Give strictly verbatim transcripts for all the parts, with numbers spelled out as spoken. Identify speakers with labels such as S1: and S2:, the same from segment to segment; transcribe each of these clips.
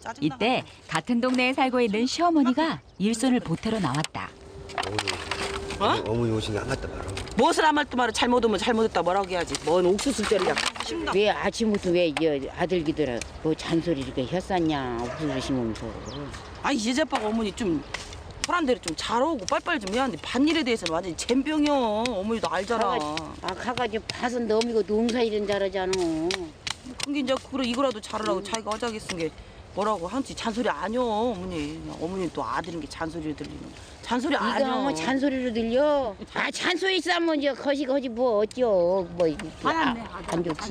S1: 이때 같은 동네에 살고 있는 시어머니가 일손을 보태러 나왔다.
S2: 어?
S3: 어머니 오시니 안 갔다 말아.
S2: 무엇을 안 말도 말아. 잘못하면 잘못했다 뭐라고 해야지. 뭔 옥수수짜리야.
S4: 왜 아침부터 왜 이 아들기들아 뭐 잔소리 이렇게 했었냐 옥수수 심으면서.
S2: 아니 예제빠가 어머니 좀 보란 대로 좀 잘하고 빨빨 좀 해야 하는데 밭일에 대해서는 완전히 젬병이야. 어머니도 알잖아.
S4: 아 가가지고 밭은 너미고 농사 일은 잘하잖아.
S2: 근데 이제 그래 이거라도 잘하라고 자기가 어자기 쓴 게 뭐라고 한지 잔소리 아니여 어머니. 어머니 또 아들인 게 잔소리를 들리는. 잔소리 아니여.
S4: 이거 뭐 잔소리로 들려? 아 잔소리 싸면 이제 거시 거시 뭐 어쩌 뭐 이렇게 아, 안 좋지.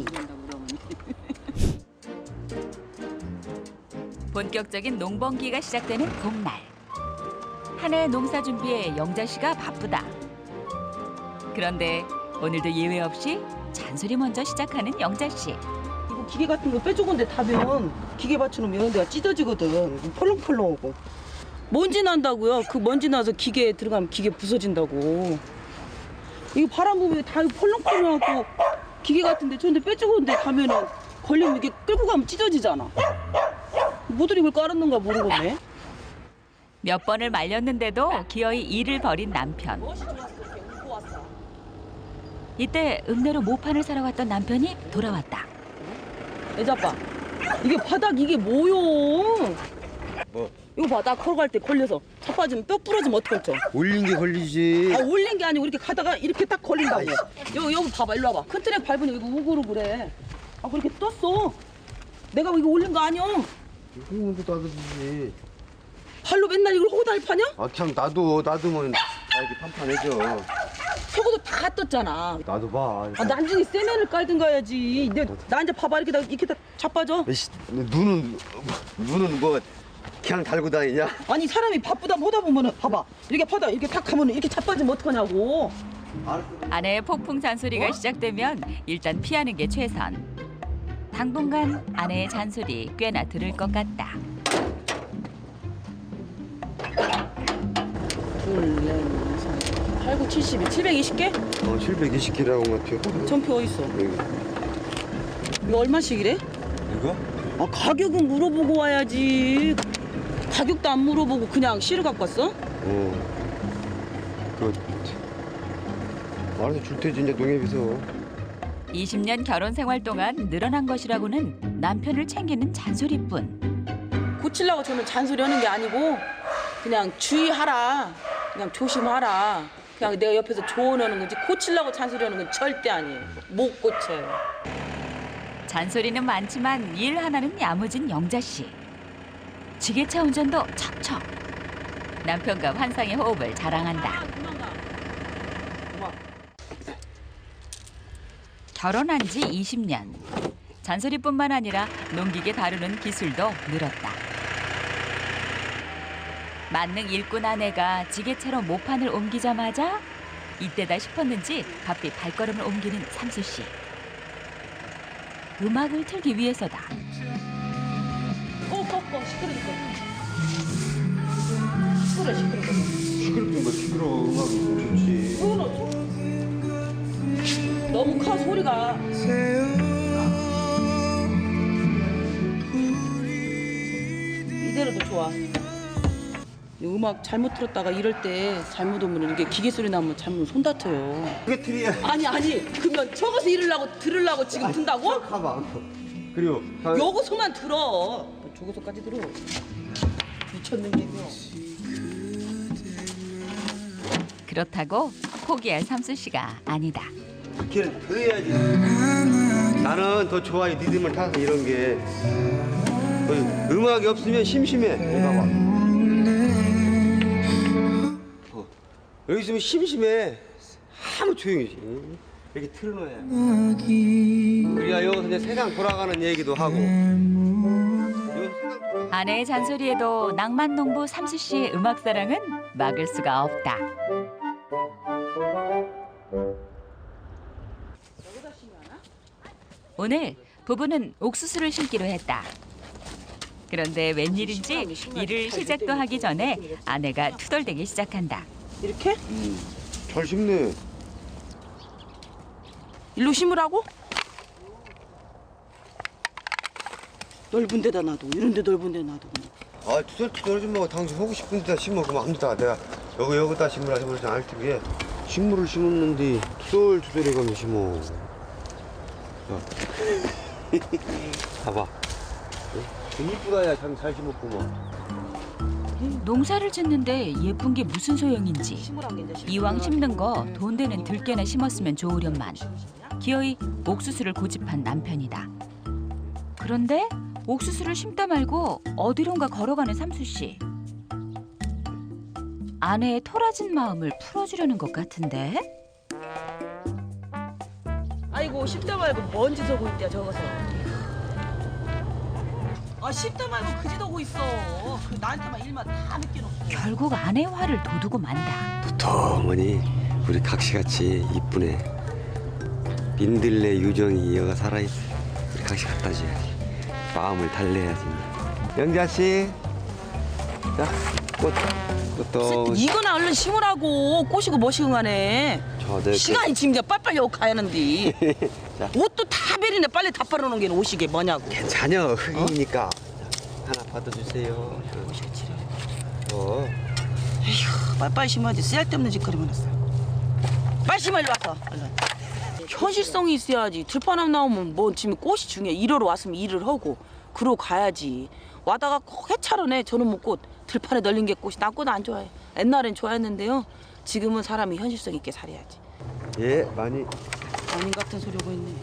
S1: 본격적인 농번기가 시작되는 봄날. 한 해 농사 준비에 영자 씨가 바쁘다. 그런데 오늘도 예외 없이 잔소리 먼저 시작하는 영자 씨.
S2: 이거 기계 같은 거 빼주건데 타면 기계 받쳐놓으면 이런 데가 찢어지거든. 펄렁펄렁하고. 먼지 난다고요. 그 먼지 나서 기계에 들어가면 기계 부서진다고. 이거 바람 부으면 다 펄렁펄렁하고 기계 같은데 저런데 빼주건데 가면은 걸리면 이렇게 끌고 가면 찢어지잖아. 뭐들 이걸 깔았는가 모르겠네.
S1: 몇 번을 말렸는데도 기어이 일을 벌인 남편. 이때 읍내로 모판을 사러 갔던 남편이 돌아왔다.
S2: 애자빠, 이게 바닥 이게 뭐요?
S3: 뭐?
S2: 이거 봐, 나 걸어갈 때 걸려서 차 빠지면 뼈 부러지면 어떡할죠?
S3: 올린 게 걸리지.
S2: 아, 올린 게 아니고 이렇게 가다가 이렇게 딱 걸린다고. 여기, 여기 봐봐, 일로 와봐. 큰 트랙 밟으니 이거 우그로 그래. 아, 그렇게 떴어. 내가 이거 올린 거 아니야?
S3: 홍문도 따뜻이지.
S2: 발로 맨날 이걸 호달 파냐?
S3: 아 그냥 놔둬. 놔두면 다 이렇게 판판해져.
S2: 저거도 다 떴잖아.
S3: 놔둬 봐.
S2: 아, 나중에 세면을 깔든가 해야지. 내, 나 이제 봐봐, 이렇게 다, 이렇게 다 자빠져.
S3: 에이씨, 눈은 눈은 뭐 그냥 달고 다니냐?
S2: 아니, 사람이 바쁘다 하다 보면은 봐봐. 이렇게 파다, 이렇게 탁 하면은 이렇게 자빠지면 어떡하냐고.
S1: 아내의 폭풍 잔소리가 시작되면 일단 피하는 게 최선. 당분간 아내의 잔소리 꽤나 들을 것 같다.
S2: 둘, 넷, 여섯, 팔, 구, 칠십이, 칠백이십 개?
S3: 어 칠백이십 개라고 같아.
S2: 전표 어딨어?
S3: 여기.
S2: 이거 얼마씩이래?
S3: 이거?
S2: 아, 가격은 물어보고 와야지. 가격도 안 물어보고 그냥 씨를 갖고 왔어?
S3: 어. 그 알아서 줄 테지 이제 농협에서.
S1: 이십 년 결혼 생활 동안 늘어난 것이라고는 남편을 챙기는 잔소리뿐.
S2: 고치려고 저는 잔소리 하는 게 아니고 그냥 주의하라. 그냥 조심하라. 그냥 내가 옆에서 조언하는 거지 고치려고 잔소리 하는 건 절대 아니에요. 못 고쳐요.
S1: 잔소리는 많지만 일 하나는 야무진 영자 씨. 지게차 운전도 척척. 남편과 환상의 호흡을 자랑한다. 결혼한 지 이십 년. 잔소리뿐만 아니라 농기계 다루는 기술도 늘었다. 만능 일꾼 아내가 지게차로 모판을 옮기자마자 이때다 싶었는지 바삐 발걸음을 옮기는 삼수 씨. 음악을 틀기 위해서다.
S2: 꺼꺼꺼 시끄러니까. 시끄러 시끄러.
S3: 시끄럽긴 뭐 시끄러워. 음악이 좋지.
S2: 너무 커 소리가. 이대로도 좋아. 이 음악 잘못 틀었다가 이럴 때 잘못 오면 이게 기계 소리 나면 잘못 손 다쳐요.
S3: 그게 틀이야.
S2: 아니 아니 그러면 저기서 이러려고 들으려고 지금 든다고?
S3: 가봐. 그리고
S2: 여기서만 들어. 저기서까지 들어. 미쳤는데요.
S1: 그렇다고 포기할 삼수 씨가 아니다.
S3: 걔는 더 해야지. 나는 더 좋아해. 리듬을 타서 이런 게. 어, 음악이 없으면 심심해. 봐봐. 어, 여기 있으면 심심해. 아무 조용히지. 이렇게 틀어놔야. 우리가 여기서 이제 세상 돌아가는 얘기도 하고.
S1: 아내의 잔소리에도 낭만농부 삼수 씨의 음악 사랑은 막을 수가 없다. 오늘 부부는 옥수수를 심기로 했다. 그런데 웬일인지 일을 시작도 하기 전에 아내가 투덜대기 시작한다.
S2: 이렇게?
S3: 음, 잘 심네.
S2: 일로 심으라고? 넓은 데다 놔도 이런 데 넓은 데 놔도 그냥.
S3: 아 투덜투덜 좀 뭐 당신 하고 싶은 데다 심어 그러면 합니다. 내가 여기 여기다 심으라 해버리지 않을 텐데 식물을 심었는데 투덜투덜 해가면 심어. 자. 봐봐. 어? 이쁘다 야 참 잘 심었구만.
S1: 농사를 짓는데 예쁜 게 무슨 소용인지
S2: 심으란 게 이제
S1: 이왕 심는 거 돈 되는 들깨나 심었으면 좋으련만 기어이 옥수수를 고집한 남편이다. 그런데 옥수수를 심다 말고 어디론가 걸어가는 삼수 씨. 아내의 토라진 마음을 풀어주려는 것 같은데.
S2: 아이고 씹다 말고 먼지 서고 있대요 저거서. 아 씹다 말고 그지 서고 있어. 그 나한테만 일만 다 느껴놓고.
S1: 결국 아내 화를 돋우고 만다.
S3: 도톰하니 우리 각시같이 이쁘네. 민들레 유정이 이어가 살아있어. 우리 각시 갖다 줘야지. 마음을 달래야지. 영자씨. 자, 꽃. 꽃도.
S2: 이거나 얼른 심으라고. 꼬시고 뭐시고 가네.
S3: 저, 네,
S2: 시간이 지금 이제 빨빨리 오고 가야하는데.
S3: 자.
S2: 옷도 다 베리네. 빨리 다 빨아놓은 게 옷이게 뭐냐고.
S3: 괜찮아. 흙이니까. 하나 받아주세요. 어.
S2: 에휴 빨빨리 심어야지. 쓸데없는 짓거리만 했어. 빨리 심어 일로 와서. 얼른. 현실성이 있어야지. 들판함 나오면 뭐 지금 꽃이 중요해. 일하러 왔으면 일을 하고 그러고 가야지. 와다가 꼭 해차려네. 저는 뭐 꽃 들판에 널린 게 꽃이. 난 꽃 안 좋아해. 옛날엔 좋아했는데요. 지금은 사람이 현실성 있게 살아야지.
S3: 예, 많이.
S2: 아닌 같은 소리 하고 있네.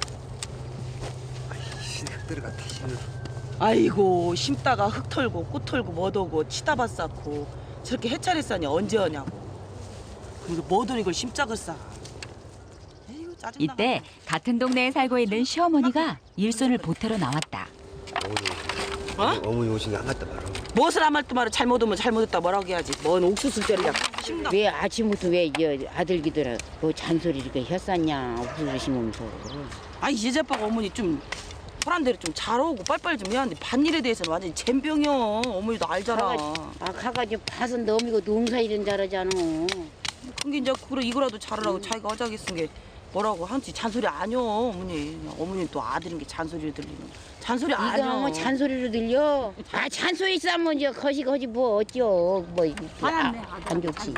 S3: 흙 들어갔다, 신을.
S2: 아이고 심다가 흙 털고 꽃 털고 못 오고 치다 밭 쌓고 저렇게 해차례 싸니 언제 하냐고. 그리고 뭐든 이걸 심짝을 싸. 에이구, 짜증나.
S1: 이때 같은 동네에 살고 있는 시어머니가 일손을 보태러 나왔다.
S2: 어?
S3: 어머니 오신 게 안 맞다 말아.
S2: 무엇을 안 할 때 말을 잘못 오면 잘못했다 뭐라고 해야지. 뭔 옥수수짜리야. 심다.
S4: 왜 아침부터 왜 저 아들기들아 뭐 잔소리 이렇게 혔었냐 옥수수 심으면서.
S2: 아이 예제빠가 어머니 좀 사람 대로 좀 잘하고 빨빨리 좀 해야 하는데 밭일에 대해서는 완전히 젬병이야. 어머니도 알잖아.
S4: 아 가가지고 밭은 너미고 농사일은 잘하잖아.
S2: 그게 이제 그래 이거라도 잘하라고 자기가 어자기 쓴 게 뭐라고 한지 잔소리 아니여 어머니. 어머니 또 아들인 게 잔소리를 들리는. 잔소리
S4: 이거
S2: 아니여.
S4: 뭐 잔소리로 들려? 아 잔소리 싸면 이제 거시 거시 뭐 어쩌 뭐 아, 안 좋지.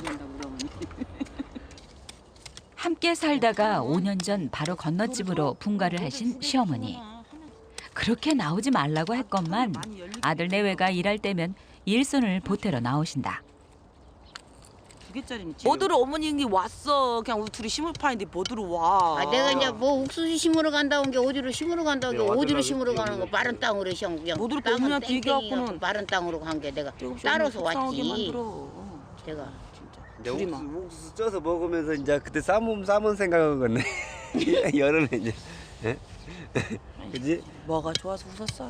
S1: 함께 살다가 오 년 전 바로 건너집으로 분가를 하신 시어머니. 그렇게 나오지 말라고 했건만 아들 내외가 일할 때면 일손을 보태러 나오신다.
S2: 두 개짜리는 뭐들어 어머니 왔어. 그냥 우리 둘이 심을 파인데 뭐들어 와.
S4: 아 내가 이제 뭐 옥수수 심으러 간다 온 게 어디로 심으러 간다 온 게
S3: 네,
S4: 어디로
S3: 완전
S4: 심으러
S3: 나겠지.
S4: 가는 거 마른 땅으로 시험 그냥
S2: 못 들을 거
S4: 땅은
S2: 어머니한테
S4: 땡땡이
S2: 얘기해갖고는
S4: 갖고 마른 땅으로 간 게 내가
S2: 조금씩
S4: 따라서
S2: 속상하게
S4: 왔지.
S2: 만들어.
S4: 내가
S2: 진짜.
S3: 근데
S2: 둘이만.
S3: 옥수수, 옥수수 쪄서 먹으면서 이제 그때 쌈은 쌈은 생각한 거네. 여름에 이제. 예? 그지?
S2: 뭐가 좋아서 웃었어.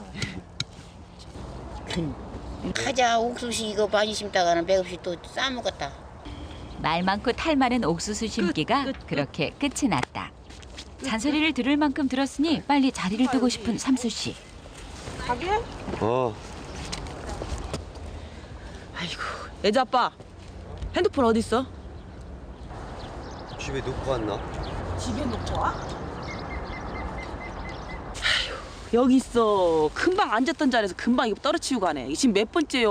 S4: 가자 옥수수 이거 많이 심다가는 맥없이 또 싸먹었다.
S1: 말 많고 탈 많은 옥수수 심기가
S2: 끝, 끝, 끝.
S1: 그렇게 끝이 났다. 잔소리를 들을 만큼 들었으니 빨리 자리를 뜨고 싶은 삼수 씨.
S2: 가게?
S3: 어.
S2: 아이고 애자 아빠 핸드폰 어디 있어?
S3: 집에 놓고 왔나?
S2: 집에 놓고 와? 여기 있어. 금방 앉았던 자리에서 금방 이거 떨어치우고 가네. 이게 지금 몇 번째요?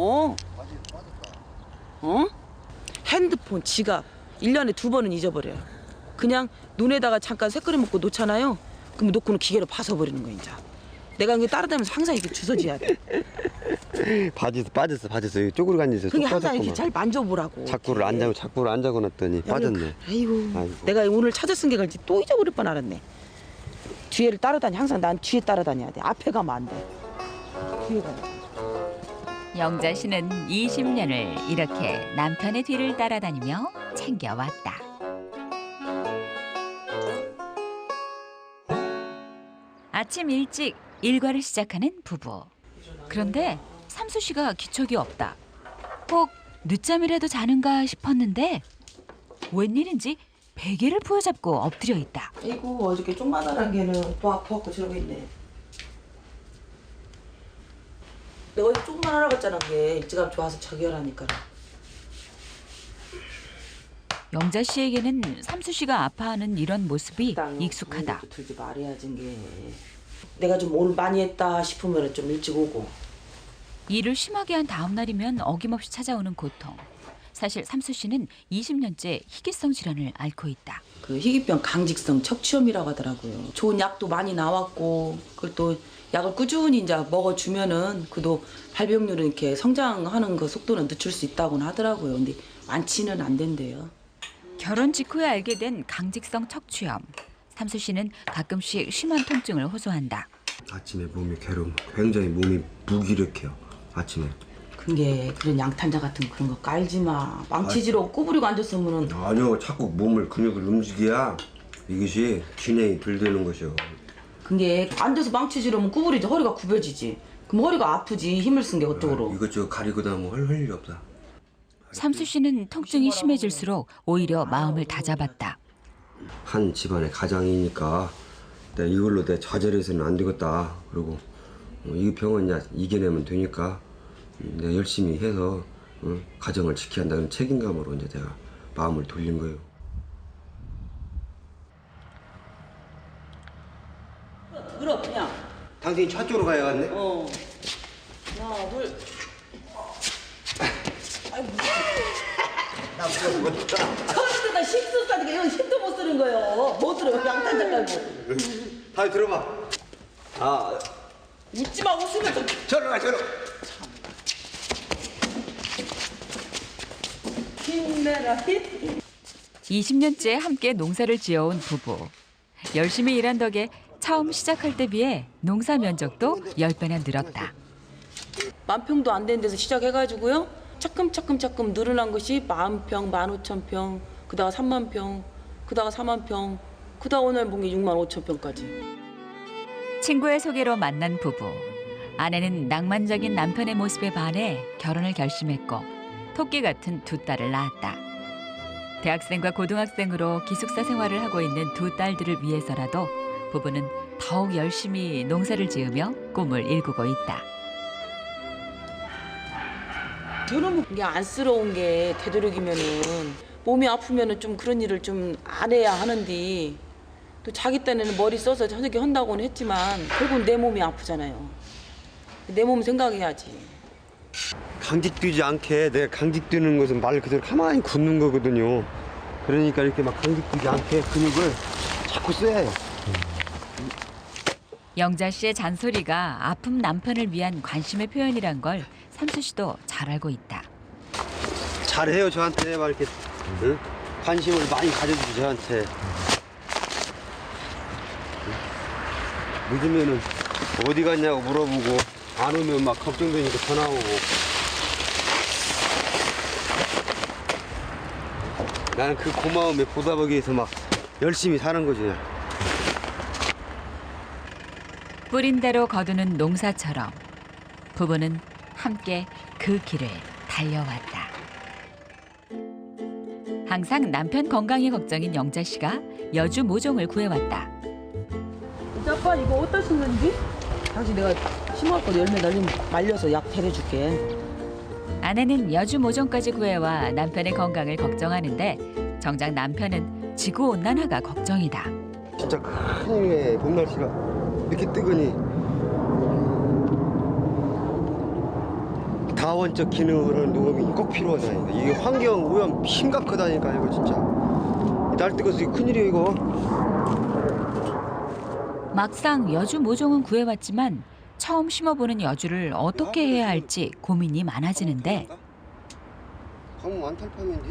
S2: 어? 핸드폰, 지갑 일 년에 두 번은 잊어버려요. 그냥 눈에다가 잠깐 새끄리 먹고 놓잖아요. 그럼 놓고는 기계로 봐서버리는 거야 이제. 내가 이게 따라다니면서 항상 이렇게 주워줘야 돼.
S3: 바지에서 빠졌어, 빠졌어. 여기 쪼그리고 앉아서 쏙
S2: 그게 항상 이렇게
S3: 빠졌구만.
S2: 잘 만져보라고.
S3: 자꾸를 안 잡고 자꾸를 안 잡고 놨더니 빠졌네.
S2: 아이고,
S3: 아이고.
S2: 내가 오늘 찾아 쓴 게 갈지 또 잊어버릴 뻔 알았네. 뒤에를 따라다니. 항상 난 뒤에 따라다녀야 돼. 앞에 가면 안 돼. 뒤에 가야 돼.
S1: 영자 씨는 이십 년을 이렇게 남편의 뒤를 따라다니며 챙겨왔다. 아침 일찍 일과를 시작하는 부부. 그런데 삼수 씨가 기척이 없다. 꼭 늦잠이라도 자는가 싶었는데 웬일인지 베개를 부여잡고 엎드려 있다.
S2: 아이고 어저께 쪽마다란 개는 또 아파갖고 저러고 있네. 내가 어제 조금만 하라고 했잖아. 그게 일찌감 좋아서 저기 하라니까.
S1: 영자 씨에게는 삼수 씨가 아파하는 이런 모습이 익숙하다.
S2: 들지 말아야지 게. 내가 좀 오늘 많이 했다 싶으면 좀 일찍 오고.
S1: 일을 심하게 한 다음 날이면 어김없이 찾아오는 고통. 사실 삼수 씨는 이십 년째 희귀성 질환을 앓고 있다.
S2: 그 희귀병 강직성 척추염이라고 하더라고요. 좋은 약도 많이 나왔고 그걸 또 약을 꾸준히 이제 먹어주면은 그도 발병률은 이렇게 성장하는 그 속도는 늦출 수 있다고는 하더라고요. 근데 완치는 안 된대요.
S1: 결혼 직후에 알게 된 강직성 척추염. 삼수 씨는 가끔씩 심한 통증을 호소한다.
S3: 아침에 몸이 괴로움, 굉장히 몸이 무기력해요. 아침에.
S2: 그게 그런 양탄자 같은 그런 거 깔지 마. 망치질로 구부리고 앉았으면은
S3: 아니요, 자꾸 몸을 근육을 움직여야 이것이 균형이 들되는 것이요.
S2: 그게 앉아서 망치질하면 구부리지 허리가 굽어지지. 그럼 허리가 아프지 힘을 쓴 게 어떡으로.
S3: 이것저것 가리고 다면 할 일이 없다.
S1: 삼수 씨는 통증이 심해질수록 오히려 마음을 다잡았다.
S3: 한 집안의 가장이니까 내가 이걸로 내 좌절해서는 안 되겠다. 그리고 어, 이 병은 야 이겨내면 되니까 내가 열심히 해서 어, 가정을 지켜야 한다는 책임감으로 이제 내가 마음을 돌린 거예요.
S2: 들어 그냥.
S3: 당신이 차 쪽으로 가야겠네.
S2: 어. 하나 둘. 아이고.
S3: 나 무겁다.
S2: 처음에다 힘쓰 싸니까 이런 힘도 못 쓰는 거예요. 못 들어요. 양탄자 깔고.
S3: 다시 들어봐. 아,
S2: 웃지 마 웃으면 좀.
S3: 저러 가 저러.
S2: 힘내라 힘.
S1: 이십 년째 함께 농사를 지어온 부부. 열심히 일한 덕에 처음 시작할 때 비해 농사 면적도 열 배나 늘었다.
S2: 만 평도 안 되는 데서 시작해가지고요. 차츰 차츰 차츰 늘어난 것이 만 평, 만 오천 평, 그다가 삼만 평, 그다가 사만 평, 그다가 오늘 본 게 육만 오천 평까지.
S1: 친구의 소개로 만난 부부. 아내는 낭만적인 남편의 모습에 반해 결혼을 결심했고 토끼 같은 두 딸을 낳았다. 대학생과 고등학생으로 기숙사 생활을 하고 있는 두 딸들을 위해서라도 부부는 더욱 열심히 농사를 지으며 꿈을 일구고 있다.
S2: 저는 이게 안쓰러운 게 되도록이면은 몸이 아프면은 좀 그런 일을 좀 안 해야 하는데 또 자기 딴에는 머리 써서 저녁에 한다고는 했지만 결국은 내 몸이 아프잖아요. 내 몸 생각해야지.
S3: 강직되지 않게 내가 강직되는 것은 말 그대로 가만히 굳는 거거든요. 그러니까 이렇게 막 강직되지 않게 근육을 자꾸 써야 해요.
S1: 영자 씨의 잔소리가 아픈 남편을 위한 관심의 표현이란 걸 삼수 씨도 잘 알고 있다.
S3: 잘해요 저한테 막 이렇게 응? 관심을 많이 가져주죠 저한테. 늦으면은 어디 갔냐고 물어보고 안 오면 막 걱정되니까 전화 오고. 나는 그 고마움에 보답하기 위해서 막 열심히 사는 거지.
S1: 뿌린 대로 거두는 농사처럼 부부는 함께 그 길을 달려왔다. 항상 남편 건강이 걱정인 영자 씨가 여주 모종을 구해왔다.
S2: 아빠 이거 어디다 심는지? 당신 내가 심어갖고 열매 날리면 말려서 약 데려줄게.
S1: 아내는 여주 모종까지 구해와 남편의 건강을 걱정하는데 정작 남편은 지구온난화가 걱정이다.
S3: 진짜 큰일이네. 봄 날씨가 이렇게 뜨거니 다원적 기능을 농업이 꼭 필요하다니까. 이게 환경 오염 심각하다니까 이거 진짜. 날 뜨거서 이거 큰일이야 이거.
S1: 막상 여주 모종은 구해왔지만 처음 심어보는 여주를 어떻게 해야 할지 고민이 많아지는데
S3: 가면 안탈팜인데?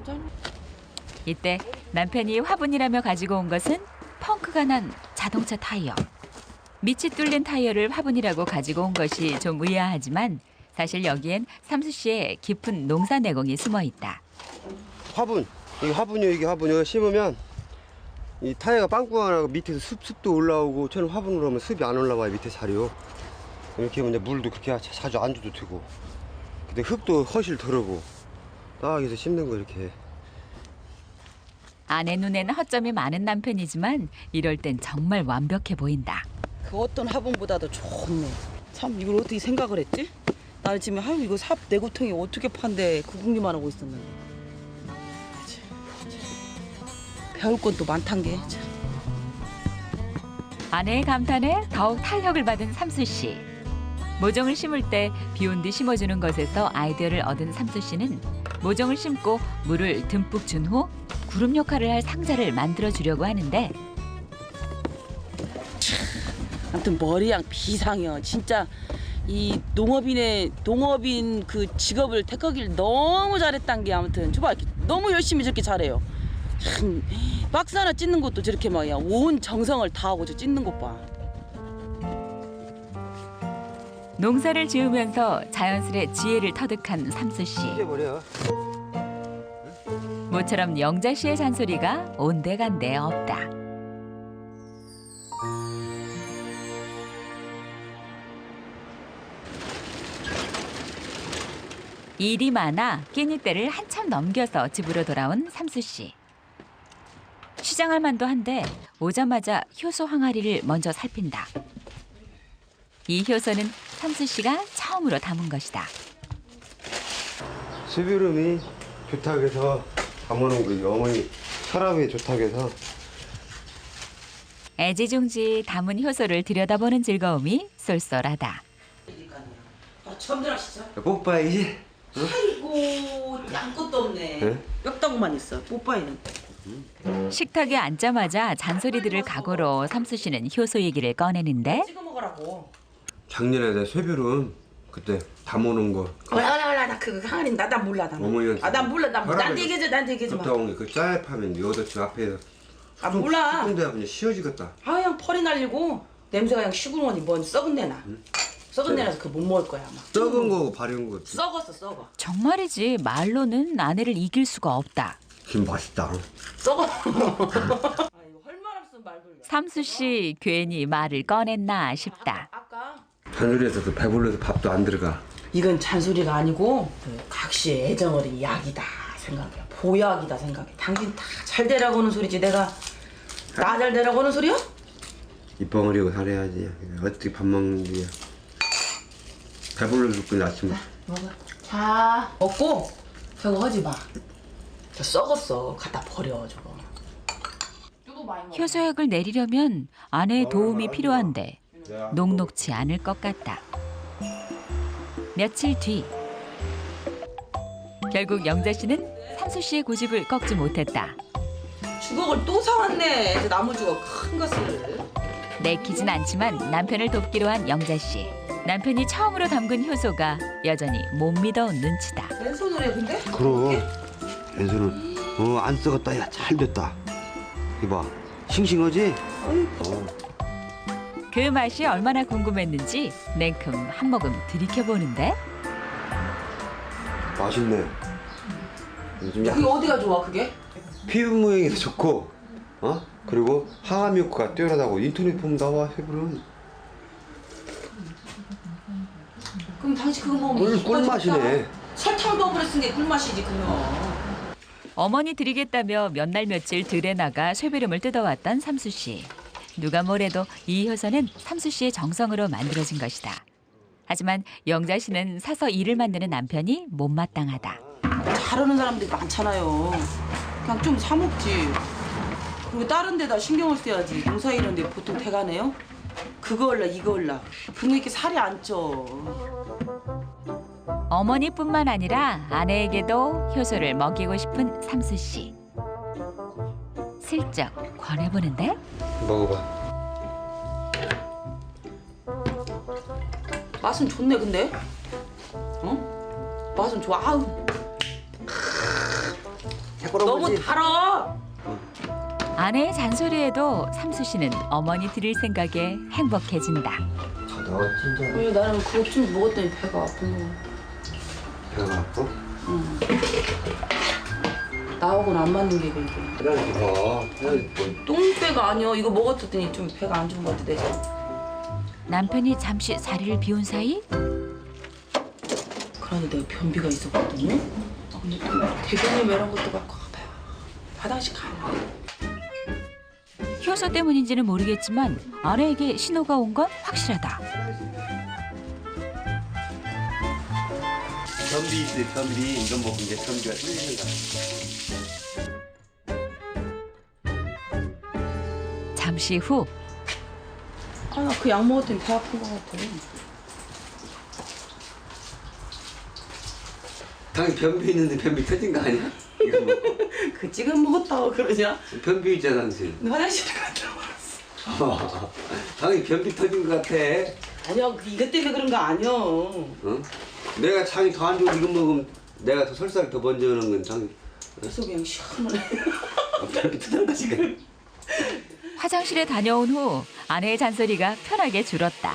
S1: 이때 남편이 화분이라며 가지고 온 것은 펑크가 난 자동차 타이어. 밑이 뚫린 타이어를 화분이라고 가지고 온 것이 좀 의아하지만 사실 여기엔 삼수 씨의 깊은 농사 내공이 숨어 있다.
S3: 화분. 이게 화분이요 이게 화분이요. 심으면 이 타이어가 빵꾸가 나고 밑에서 습, 습도 올라오고 저는 화분으로 하면 습이 안 올라와요 밑에 자리요. 이렇게 하면 이제 물도 그렇게 자주 안 줘도 되고 근데 흙도 허실 덜하고 딱 해서 심는 거 이렇게.
S1: 아내 눈엔 허점이 많은 남편이지만 이럴 땐 정말 완벽해 보인다.
S2: 그 어떤 화분보다도 좋네. 참 이걸 어떻게 생각을 했지? 나는 지금 아유 이거 삽 내구통이 어떻게 판대 그 궁리만 하고 있었는데. 참, 참. 배울 건 또 많단 게. 참.
S1: 아내의 감탄에 더욱 탄력을 받은 삼수 씨. 모종을 심을 때 비온 뒤 심어주는 것에서 아이디어를 얻은 삼수 씨는 모종을 심고 물을 듬뿍 준 후 구름 역할을 할 상자를 만들어 주려고 하는데
S2: 아무튼 머리양 비상이요. 진짜 이 농업인의 농업인 그 직업을 택하기를 너무 잘했단 게 아무튼 저봐 너무 열심히 저렇게 잘해요. 참 박스 하나 찢는 것도 저렇게 막야 온 정성을 다하고 저 찢는 것 봐.
S1: 농사를 지으면서 자연스레 지혜를 터득한 삼수 씨.
S3: 찢어버려.
S1: 모처럼 영자 씨의 잔소리가 온데간데 없다. 일이 많아 끼니 때를 한참 넘겨서 집으로 돌아온 삼수 씨. 시장할 만도 한데 오자마자 효소 항아리를 먼저 살핀다. 이 효소는 삼수 씨가 처음으로 담은 것이다.
S3: 수비름이 좋다고 해서 담아놓은 거예요. 어머니 혈압에 좋다고 해서.
S1: 애지중지 담은 효소를 들여다보는 즐거움이 쏠쏠하다.
S2: 아, 처음 들어시죠?
S3: 뽀빠이지?
S2: 아이고 아무것도 없네.
S3: 네?
S2: 뼈다구만 있어. 뽀빠이는.
S1: 식탁에 앉자마자 잔소리들을 각오로 삼수 씨는 효소 얘기를 꺼내는데
S2: 찍어 먹으라고.
S3: 작년에 내 쇠비름 그때 담아놓은 거.
S2: 올라 올라 올라 나 그거 항아리 나나 몰라 나.
S3: 어머니한테.
S2: 아나 몰라 나
S3: 혈압에
S2: 나한테 얘기해줘 나한테 얘기해줘 마.
S3: 갔다 온 게 그 짤파면 여덟 집 앞에서.
S2: 아 몰라.
S3: 근데 그냥 씌워지겠다.
S2: 아 그냥 펄이 날리고 냄새가 그냥 시구멍이 뭔 썩은 내나. 썩은 내나서 그거 못 먹을 거야 아마.
S3: 썩은 거고 바른 거.
S2: 썩었어 썩어.
S1: 정말이지 말로는 아내를 이길 수가 없다.
S3: 김 맛있다.
S2: 썩어. 아 이거 헐말 없으면 말 돌려.
S1: 삼수 씨 괜히 말을 꺼냈나 싶다.
S2: 아까
S3: 잔소리에서도 배불러서 밥도 안 들어가.
S2: 이건 잔소리가 아니고 그 각시의 애정 어린 약이다 생각해. 보약이다 생각해. 당신 다 잘 되라고 하는 소리지 내가 나 잘 되라고 하는 소리야?
S3: 입벙어리고 살아야지. 어떻게 밥 먹는지. 배불러 죽고 아침에.
S2: 먹어. 자 먹고 저거 하지 마. 저 썩었어. 갖다 버려 저거.
S1: 효소약을 내리려면 아내의 도움이 필요한데 녹록치 않을 것 같다. 며칠 뒤 결국 영자 씨는 삼수 씨의 고집을 꺾지 못했다.
S2: 주걱을 또 사왔네. 저 나무 주걱 큰 것을.
S1: 내키진 않지만 남편을 돕기로 한 영자 씨. 남편이 처음으로 담근 효소가 여전히 못 믿어온 눈치다.
S2: 왼손으로 해 근데?
S3: 그럼 왼손은 어 안 썩었다. 야 잘 됐다. 이봐 싱싱하지? 어.
S1: 그 맛이 얼마나 궁금했는지 냉큼 한 모금 들이켜보는데
S3: 맛있네. 좀 약.
S2: 그게 어디가 좋아 그게?
S3: 피부 모양이 좋고 어 그리고 항암 효과가 뛰어나다고 인터넷 보면 나와 세부는.
S2: 그럼 당신 그거 먹으면
S3: 꿀
S2: 이뻐
S3: 꿀맛이네.
S2: 좋다. 설탕 더블에 쓴 게 꿀맛이지 그거.
S1: 어머니 드리겠다며 몇 날 며칠 들에 나가 쇠비름을 뜯어왔던 삼수 씨. 누가 뭐래도 이 효소는 삼수 씨의 정성으로 만들어진 것이다. 하지만 영자 씨는 사서 일을 만드는 남편이 못마땅하다.
S2: 잘하는 사람들이 많잖아요. 그냥 좀 사 먹지. 그리고 다른 데다 신경을 써야지. 농사 이런데 보통 대가네요. 그거 올라 이거 올라. 그러니까 이렇게 살이 안 쪄.
S1: 어머니뿐만 아니라 아내에게도 효소를 먹이고 싶은 삼수 씨. 슬쩍 권해보는데
S3: 먹어봐.
S2: 맛은 좋네 근데. 어? 맛은 좋아. 아우. 너무 달아.
S1: 아내의 잔소리에도 삼수 씨는 어머니 드릴 생각에 행복해진다.
S3: 너 진짜
S2: 왜 나는 그거 좀 먹었더니 배가 아픈 거.
S3: 배가 아파?
S2: 응. 나하고는 안 맞는 게 이게.
S3: 그래 봐.
S2: 똥배가 아니야. 이거 먹었더니 좀 배가 안 좋은 것 같아 내가.
S1: 남편이 잠시 자리를 비운 사이
S2: 그런데 내가 변비가 있었거든요. 아, 근데 또 대변이 이런 것도 갖고 가봐요. 화장실 가려.
S1: 효소 때문인지는 모르겠지만 아내에게 신호가 온 건 확실하다.
S3: 변비 있어 변비. 이거 먹으면 이제 변비가 뚫리는 거야.
S1: 잠시 후
S2: 아, 나 그 약 먹었더니 배 아픈 것 같아.
S5: 당연히 변비 있는데 변비 터진 거 아니야? 이거 먹고.
S2: 그 지금 먹었다고 그러냐?
S5: 변비 있잖아 당신.
S2: 너 화장실 갔다 왔어.
S5: 당연히 변비 터진 거 같아.
S2: 아니야, 그 이것 때문에 그런 거 아니야.
S5: 응? 내가 장이 더 안 좋고 이거 먹으면 내가 더 설사를 더 먼저 하는 건 당연히.
S2: 그래서 그냥 시원하네.
S5: 변비 터진 거지. 그냥.
S1: 화장실에 다녀온 후 아내의 잔소리가 편하게 줄었다.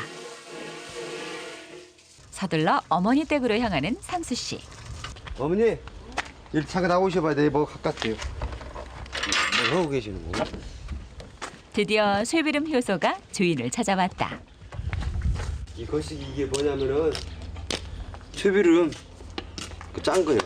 S1: 서둘러 어머니 댁으로 향하는 삼수 씨.
S3: 어머니, 일 잠깐 나오셔봐야 돼. 뭐 가깝대요. 뭐 하고 계시는 거야?
S1: 드디어 쇠비름 효소가 주인을 찾아왔다.
S3: 이것이 이게 뭐냐면은 쇠비름 그 짠 거야.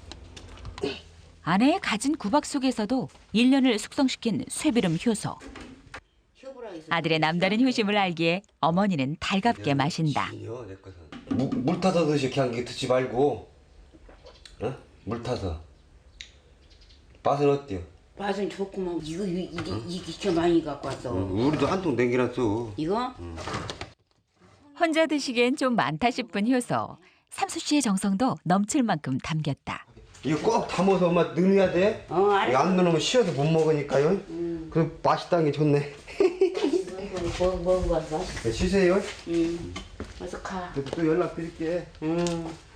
S1: 아내의 가진 구박 속에서도 일 년을 숙성시킨 쇠비름 효소. 아들의 남다른 효심을 알기에 어머니는 달갑게 마신다.
S3: 진이요, 내 거는. 물, 물 타서 드시 그냥 이게 드지 말고, 어? 물 타서. 맛은 어때요?
S4: 맛은 좋구만. 이거 이게 이게 이렇게 많이 갖고 왔어.
S3: 우리도 한 통 남겨놨어.
S4: 이거?
S1: 혼자 드시기엔 좀 많다 싶은 효소. 삼수 씨의 정성도 넘칠 만큼 담겼다.
S3: 이거 꼭 담아서 엄마 넣어야 돼.
S4: 어, 알았어.
S3: 이거 안 넣으면 쉬어서 못 먹으니까요.
S4: 음.
S3: 그 맛있다는 게 좋네.
S4: 이거 뭐 먹은 거 맛있어.
S3: 쉬세요.
S4: 응. 어서 가.
S3: 또 연락 드릴게.
S4: 응.